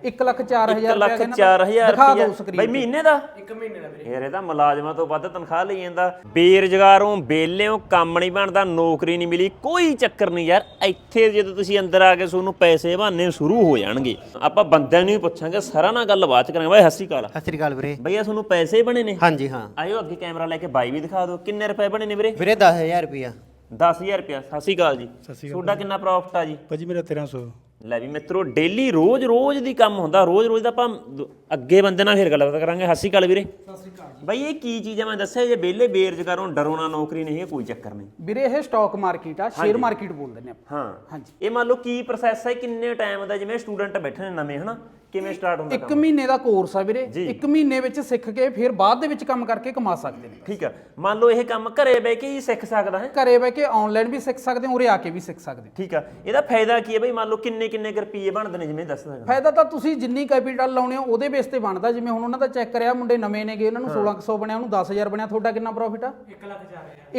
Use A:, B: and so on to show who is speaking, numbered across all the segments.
A: 1,04,000
B: ਦਿਖਾ ਦਿਓ ਸਕਰੀਨ ਬਈ ਮਹੀਨੇ ਦਾ 1 ਮਹੀਨੇ ਦਾ ਵੀਰੇ। ਯਾਰ ਇਹ ਤਾਂ ਮੁਲਾਜ਼ਮਾਂ ਤੋਂ ਵੱਧ ਤਨਖਾਹ ਲਈ ਜਾਂਦਾ। ਬੇਰੁਜ਼ਗਾਰੋਂ ਬੇਲਿਓਂ ਕੰਮ ਨਹੀਂ ਬਣਦਾ, ਨੌਕਰੀ ਨਹੀਂ ਮਿਲੀ, ਕੋਈ ਚੱਕਰ ਨਹੀਂ ਯਾਰ। ਇੱਥੇ ਜਦੋਂ ਤੁਸੀਂ ਅੰਦਰ ਆ ਕੇ ਤੁਹਾਨੂੰ ਪੈਸੇ ਬਹਾਨੇ ਸ਼ੁਰੂ ਹੋ ਜਾਣਗੇ। ਆਪਾਂ ਬੰਦਿਆਂ ਨੂੰ ਹੀ ਪੁੱਛਾਂਗੇ, ਸਾਰਾ ਨਾਲ ਗੱਲ ਬਾਤ ਕਰਾਂਗੇ। ਬਾਈ ਸਤਿ ਸ਼੍ਰੀ ਅਕਾਲ ਵੀਰੇ। ਬਈਆ ਤੁਹਾਨੂੰ ਪੈਸੇ ਬਣੇ ਨੇ?
C: ਹਾਂਜੀ ਹਾਂ।
B: ਆਇਓ ਅੱਗੇ ਕੈਮਰਾ ਲੈ ਕੇ ਬਾਈ ਵੀ ਦਿਖਾ ਦਿਓ। ਕਿੰਨੇ ਰੁਪਏ ਬਣੇ ਨੇ ਵੀਰੇ?
C: ਵੀਰੇ 10,000 ਰੁਪਇਆ।
B: 10,000 ਰੁਪਇਆ। ਸਤਿ ਸ਼੍ਰੀ ਅਕਾਲ ਜੀ। ਤੁਹਾਡਾ ਕਿੰਨਾ ਪ੍ਰੋਫਿਟ ਆ ਜੀ?
D: ਭਾਜੀ ਮੇਰਾ 1300।
B: ਲੈ ਵੀ ਮਿੱਤਰੋ, ਡੇਲੀ ਰੋਜ਼ ਦੀ ਕੰਮ ਹੁੰਦਾ। ਰੋਜ਼ ਦਾ ਆਪਾਂ ਅੱਗੇ ਬੰਦੇ ਨਾਲ ਫਿਰ ਗੱਲਬਾਤ ਕਰਾਂਗੇ। ਸਤਿ ਸ਼੍ਰੀ ਅਕਾਲ ਵੀਰੇ।
A: ਸਤਿ ਸ਼੍ਰੀ ਅਕਾਲ
B: ਬਾਈ ਇਹ ਕੀ ਚੀਜ਼ ਆ? ਮੈਂ ਦੱਸਿਆ ਜੇ ਵਿਹਲੇ ਬੇਰੁਜ਼ਗਾਰੋਂ ਡਰੋ ਨਾ, ਨੌਕਰੀ ਨਹੀਂ ਹੈ, ਕੋਈ ਚੱਕਰ ਨਹੀਂ
A: ਵੀਰੇ। ਇਹ ਸਟਾਕ ਮਾਰਕੀਟ ਆ, ਸ਼ੇਅਰ ਮਾਰਕੀਟ ਬੋਲਦੇ ਨੇ ਆਪਾਂ।
B: ਹਾਂ
A: ਹਾਂਜੀ।
B: ਇਹ ਮੰਨ ਲਓ ਕੀ ਪ੍ਰੋਸੈਸ ਹੈ, ਕਿੰਨੇ ਟਾਈਮ ਦਾ? ਜਿਵੇਂ ਸਟੂਡੈਂਟ ਬੈਠੇ ਨੇ ਨਵੇਂ, ਹਨਾ, ਕਿਵੇਂ ਸਟਾਰਟ ਹੁੰਦਾ?
A: 1 ਮਹੀਨੇ ਦਾ ਕੋਰਸ ਆ ਵੀਰੇ। 1 ਮਹੀਨੇ ਵਿੱਚ ਸਿੱਖ ਕੇ ਫਿਰ ਬਾਅਦ ਦੇ ਵਿੱਚ ਕੰਮ ਕਰਕੇ ਕਮਾ ਸਕਦੇ ਨੇ।
B: ਠੀਕ ਆ। ਮੰਨ ਲਓ ਇਹ ਕੰਮ ਘਰੇ ਬਹਿ ਕੇ ਹੀ ਸਿੱਖ ਸਕਦਾ ਹੈ?
A: ਘਰੇ ਬਹਿ ਕੇ ਆਨਲਾਈਨ ਵੀ ਸਿੱਖ ਸਕਦੇ ਹੋ, ਉਰੇ ਆ ਕੇ ਵੀ ਸਿੱਖ ਸਕਦੇ ਹੋ।
B: ਠੀਕ ਆ। ਇਹਦਾ ਫਾਇਦਾ ਕੀ ਹੈ ਬਈ? ਮੰਨ ਲਓ ਕਿੰਨੇ ਰੁਪਏ ਬਣਦੇ ਨੇ, ਜਿਵੇਂ ਦੱਸ ਸਕਦਾ?
A: ਫਾਇਦਾ ਤਾਂ ਤੁਸੀਂ ਜਿੰਨੀ ਕੈਪੀਟਲ ਲਾਉਣੇ ਹੋ ਉਹਦੇ ਬੇਸ ਤੇ ਬਣਦਾ। ਜਿਵੇਂ ਹੁਣ ਉਹਨਾਂ ਦਾ ਚੈੱਕ ਕਰਿਆ, ਮੁੰਡੇ ਨਵੇਂ ਨੇਗੇ, ਉਹਨਾਂ ਨੂੰ 1600 ਬਣਿਆ, ਉਹਨੂੰ 10,000 ਬਣਿਆ। ਤੁਹਾਡਾ ਕਿੰਨਾ ਪ੍ਰੋਫਿਟ ਆ? 1,04,000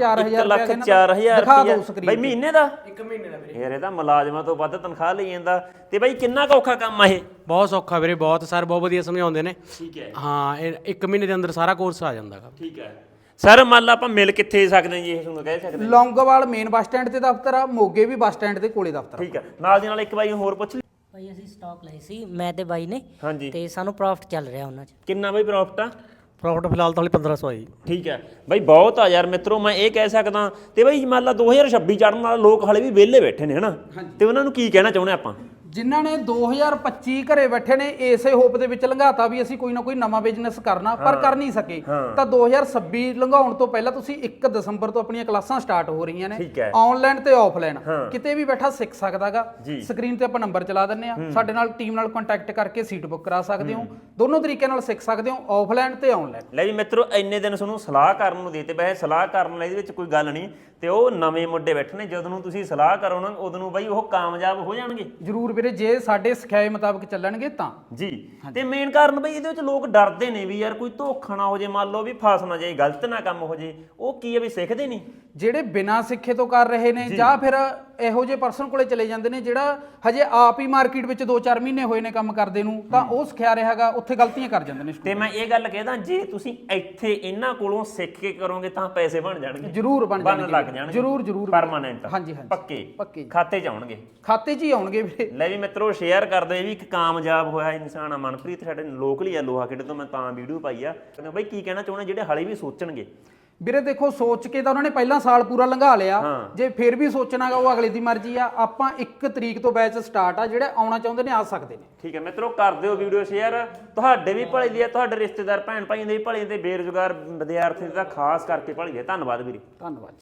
B: 1,04,000
A: ਦਿਖਾ ਦਿਓ ਸਕਰੀਨ
B: ਬਈ ਮਹੀਨੇ ਦਾ? 1 ਮਹੀਨੇ ਦਾ ਵੀਰੇ। ਯਾਰ ਇਹ ਤਾਂ ਮੁਲਾਜ਼ਮਾਂ ਤੋਂ ਵੱਧ ਤਨਖਾਹ ਲਈ ਜਾਂਦਾ। ਤੇ ਬਾਈ ਕਿੰਨਾ ਕੁ ਔਖਾ ਕੰਮ ਆ ਇਹ?
E: ਬਹੁਤ ਸੌਖਾ ਵੀਰੇ, ਬਹੁਤ। ਸਰ ਬਹੁਤ ਵਧੀਆ ਸਮਝਾਉਂਦੇ ਨੇ।
B: ਠੀਕ ਹੈ।
E: ਹਾਂ, ਇਹ 1 ਮਹੀਨੇ ਦੇ ਅੰਦਰ ਸਾਰਾ ਕੋਰਸ ਆ ਜਾਂਦਾ ਗਾ।
B: ਠੀਕ ਹੈ ਸਰ। ਮੰਨ ਲਾ ਆਪਾਂ ਮਿਲ ਕਿੱਥੇ ਸਕਦੇ ਜੀ? ਇਹ ਤੁਹਾਨੂੰ ਕਹਿ ਸਕਦੇ?
A: ਲੌਂਗੋਵਾਲ ਮੇਨ ਬੱਸ ਸਟੈਂਡ ਤੇ ਦਫ਼ਤਰ ਆ, ਮੋਗੇ ਵੀ ਬੱਸ ਸਟੈਂਡ ਦੇ ਕੋਲੇ ਦਫ਼ਤਰ।
B: ਠੀਕ ਹੈ। ਨਾਲ ਦੀ ਨਾਲ ਇੱਕ ਬਾਈ ਹੋਰ ਪੁੱਛ ਲਈ।
F: ਭਾਈ ਅਸੀਂ ਸਟਾਕ ਲਏ ਸੀ, ਮੈਂ ਤੇ ਬਾਈ ਨੇ।
B: ਹਾਂਜੀ।
F: ਤੇ ਸਾਨੂੰ ਪ੍ਰੋਫਿਟ ਚੱਲ ਰਿਹਾ ਉਹਨਾਂ 'ਚ।
B: ਕਿੰਨਾ ਬਾਈ ਪ੍ਰੋਫਿਟ ਆ?
E: ਪ੍ਰੋਫਿਟ ਫਿਲਹਾਲ ਤਾਂ 1500 ਆਈ।
B: ਠੀਕ ਹੈ ਬਾਈ, ਬਹੁਤ ਆ ਯਾਰ ਮਿੱਤਰੋ, ਮੈਂ ਇਹ ਕਹਿ ਸਕਦਾ। ਤੇ ਬਾਈ ਮੰਨ ਲਾ 2026 ਚੜ੍ਹਨ ਵਾਲੇ ਲੋਕ ਹਾਲੇ ਵੀ ਵਿਹਲੇ ਬੈਠੇ ਨੇ, ਹਨਾ, ਤੇ ਉਹਨਾਂ ਨੂੰ ਕੀ ਕਹਿਣਾ ਚਾਹੁੰਦੇ ਆਪਾਂ?
A: ਜਿਨ੍ਹਾਂ ਨੇ 2025 ਘਰੇ ਬੈਠੇ ਨੇ, ਇਸੇ ਹੋਪ ਦੇ ਵਿੱਚ ਲੰਘਾਤਾ ਵੀ ਅਸੀਂ ਕੋਈ ਨਾ ਕੋਈ ਨਵਾਂ ਬਿਜ਼ਨਸ ਕਰਨਾ, ਪਰ ਕਰ ਨਹੀਂ ਸਕੇ, ਤਾਂ 2026 ਲੰਘਾਉਣ ਤੋਂ ਪਹਿਲਾਂ ਤੁਸੀਂ 1 ਦਸੰਬਰ ਤੋਂ ਆਪਣੀਆਂ ਕਲਾਸਾਂ ਸਟਾਰਟ ਹੋ ਰਹੀਆਂ ਨੇ, ਆਨਲਾਈਨ ਤੇ ਆਫਲਾਈਨ। ਕਿਤੇ ਵੀ ਬੈਠਾ ਸਿੱਖ ਸਕਦਾਗਾ। ਸਕਰੀਨ ਤੇ ਆਪਾਂ ਨੰਬਰ ਚਲਾ ਦਿੰਨੇ ਆ, ਸਾਡੇ ਨਾਲ ਟੀਮ ਨਾਲ ਕੰਟੈਕਟ ਕਰਕੇ ਸੀਟ ਬੁੱਕ ਕਰਾ ਸਕਦੇ ਹੋ। ਦੋਨੋਂ ਤਰੀਕੇ ਨਾਲ ਸਿੱਖ ਸਕਦੇ ਹੋ, ਆਫਲਾਈਨ ਤੇ ਆਨਲਾਈਨ।
B: ਲੈ ਵੀ ਮਿੱਤਰੋ, ਇੰਨੇ ਦਿਨ ਤੁਹਾਨੂੰ ਸਲਾਹ ਕਰਨ ਨੂੰ ਦੇਤੇ। ਵੈਸੇ ਸਲਾਹ ਕਰਨ ਲਈ ਇਹਦੇ ਵਿੱਚ ਕੋਈ ਗੱਲ ਨਹੀਂ, ਤੇ ਉਹ ਨਵੇਂ ਮੁੰਡੇ ਬੈਠੇ ਨੇ, ਜਦੋਂ ਨੂੰ ਤੁਸੀਂ ਸਲਾਹ ਕਰੋ ਨਾ, ਉਦੋਂ ਨੂੰ ਬਾਈ ਉਹ ਕਾਮਯਾਬ ਹੋ ਜਾਣਗੇ।
A: ਜ਼ਰੂਰ ਵੀਰੇ, ਜੇ ਸਾਡੇ ਸਿਖਾਏ ਮੁਤਾਬਕ ਚੱਲਣਗੇ ਤਾਂ
B: ਜੀ। ਤੇ ਮੇਨ ਕਾਰਨ ਬਈ ਇਹਦੇ ਵਿੱਚ ਲੋਕ ਡਰਦੇ ਨੇ ਵੀ ਯਾਰ ਕੋਈ ਧੋਖਾ ਨਾ ਹੋ ਜੇ, ਮੰਨ ਲਓ ਵੀ ਫਸ ਨਾ ਜਾਏ, ਗਲਤ ਨਾ ਕੰਮ ਹੋ ਜੇ। ਉਹ ਕੀ ਹੈ ਵੀ ਸਿੱਖਦੇ ਨਹੀਂ।
A: ਜਿਹੜੇ ਬਿਨਾਂ ਸਿੱਖੇ ਤੋਂ ਕਰ ਰਹੇ ਨੇ, ਜਾਂ ਫਿਰ ਇਹੋ ਜਿਹੇ ਪਰਸਨ ਕੋਲੇ ਚਲੇ ਜਾਂਦੇ ਨੇ ਜਿਹੜਾ ਹਜੇ ਆਪ ਹੀ ਮਾਰਕੀਟ ਵਿੱਚ 2-4 ਮਹੀਨੇ ਹੋਏ ਨੇ ਕੰਮ ਕਰਦੇ ਨੂੰ, ਤਾਂ ਉਹ ਸਿਖਿਆ ਰਿਹਾਗਾ, ਉੱਥੇ ਗਲਤੀਆਂ ਕਰ ਜਾਂਦੇ ਨੇ।
B: ਤੇ ਮੈਂ ਇਹ ਗੱਲ ਕਹਿਦਾ, ਜੇ ਤੁਸੀਂ ਇੱਥੇ ਇਹਨਾਂ ਕੋਲੋਂ ਸਿੱਖ ਕੇ ਕਰੋਗੇ ਤਾਂ ਪੈਸੇ ਬਣ ਜਾਣਗੇ।
A: ਜ਼ਰੂਰ ਬਣ
B: ਜਾਣਗੇ।
A: ਜ਼ਰੂਰ
B: ਪਰਮਾਨੈਂਟ।
A: ਹਾਂਜੀ
B: ਪੱਕੇ ਖਾਤੇ 'ਚ ਆਉਣਗੇ।
A: ਖਾਤੇ 'ਚ ਹੀ ਆਉਣਗੇ ਵੀਰੇ।
B: ਲੈ ਵੀ ਮਿੱਤਰੋ, ਸ਼ੇਅਰ ਕਰ ਦਿਓ। ਇਹ ਵੀ ਇੱਕ ਕਾਮਯਾਬ ਹੋਇਆ ਇਨਸਾਨ ਆ, ਮਨਪ੍ਰੀਤ, ਸਾਡੇ ਲੋਕਲ ਹੀ ਆ, ਲੋਹਾ ਖੇੜੇ ਤੋਂ। ਮੈਂ ਤਾਂ ਵੀਡੀਓ ਪਾਈ ਆ। ਬਾਈ ਕੀ ਕਹਿਣਾ ਚਾਹੁੰਦੇ ਜਿਹੜੇ ਹਾਲੇ ਵੀ ਸੋਚਣਗੇ?
A: ਵੀਰੇ ਦੇਖੋ, ਸੋਚ ਕੇ ਤਾਂ ਉਹਨਾਂ ਨੇ ਪਹਿਲਾਂ ਸਾਲ ਪੂਰਾ ਲੰਘਾ ਲਿਆ। ਜੇ ਫਿਰ ਵੀ ਸੋਚਣਾਗਾ, ਉਹ ਅਗਲੇ ਦੀ ਮਰਜ਼ੀ ਆ। ਆਪਾਂ 1 ਤਰੀਕ ਤੋਂ ਬੈਚ ਸਟਾਰਟ ਆ, ਜਿਹੜੇ ਆਉਣਾ ਚਾਹੁੰਦੇ ਨੇ ਆ ਸਕਦੇ ਨੇ। ਠੀਕ
B: ਹੈ ਮਿੱਤਰੋ, ਕਰ ਦਿਓ ਵੀਡੀਓ ਸ਼ੇਅਰ। ਤੁਹਾਡੇ ਵੀ ਭਲੇ ਲਈ ਆ, ਤੁਹਾਡੇ ਰਿਸ਼ਤੇਦਾਰ ਭੈਣ ਭਾਈਆਂ ਦੇ ਵੀ ਭਲੇ, ਤੇ ਬੇਰੁਜ਼ਗਾਰ ਵਿਦਿਆਰਥੀ ਦਾ ਖਾਸ ਕਰਕੇ ਭਲੇ ਲਈ। ਧੰਨਵਾਦ ਵੀਰੇ।
A: ਧੰਨਵਾਦ।